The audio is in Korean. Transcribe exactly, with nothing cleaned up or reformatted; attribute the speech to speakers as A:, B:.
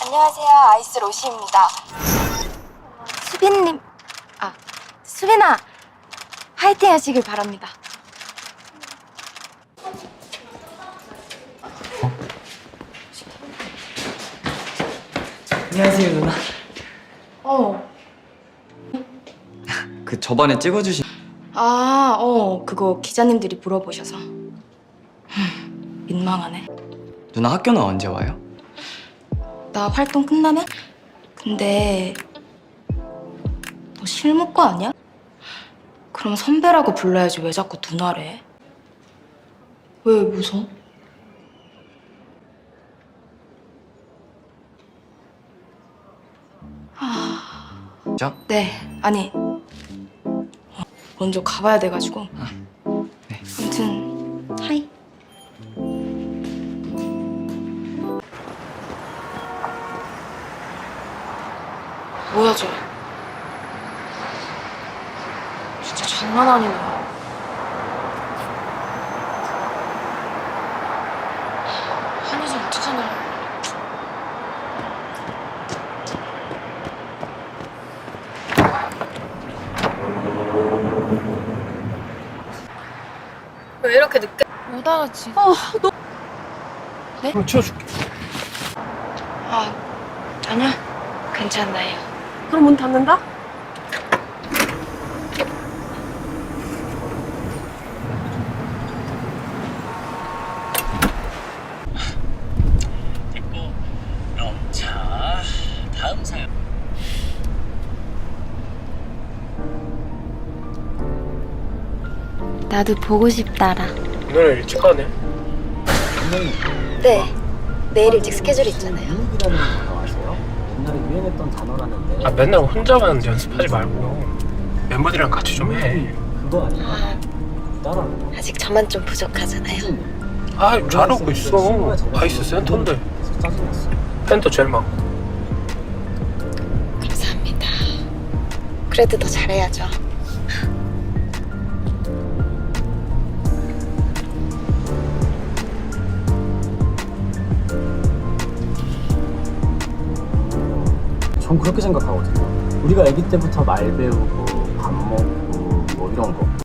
A: 안녕하세요. 아이스 로시입니다. 수빈님, 아, 수빈아, 화이팅 하시길 바랍니다.
B: 안녕하세요, 누나.
A: 어,
B: 그 저번에 찍어주신
A: 아, 어, 그거 기자님들이 물어보셔서. 흠, 민망하네.
B: 누나 학교는 언제 와요?
A: 나 활동 끝나면? 근데 너 실무과 아니야? 그럼 선배라고 불러야지 왜 자꾸 누나래? 왜 웃어?
B: 저?
A: 네, 아니 어, 먼저 가봐야 돼가지고.
B: 네.
A: 아무튼 하이. 뭐야 쟤? 진짜 장난 아니네. 한여자 어떡하냐. 왜 이렇게 늦게 오다가 지금. 아, 너. 네?
C: 그럼 치워줄게.
A: 아, 아니야. 괜찮나요.
D: 그럼 문 닫는다?
C: 됐고, 그럼 자 다음 사연.
A: 나도 보고 싶다라.
C: 오늘 일찍 가네.
A: 네. 내일 일찍 스케줄 있잖아요.
E: 미국이라는 단어 아세요? 옛날에 유행했던 단어라는데.
C: 아 맨날 혼자만 연습하지 말고 멤버들이랑 같이 좀 해.
E: 그거 아니야?
A: 아,
E: 따라하는 거.
A: 아직 저만 좀 부족하잖아요.
C: 아 잘하고 있어. 아이스 센터인데
E: 그래서 짜증났어.
C: 팬도 제일 많고.
A: 감사합니다. 그래도 더 잘해야죠.
E: 전 그렇게 생각하거든요. 우리가 아기 때부터 말 배우고 밥 먹고 뭐 이런 거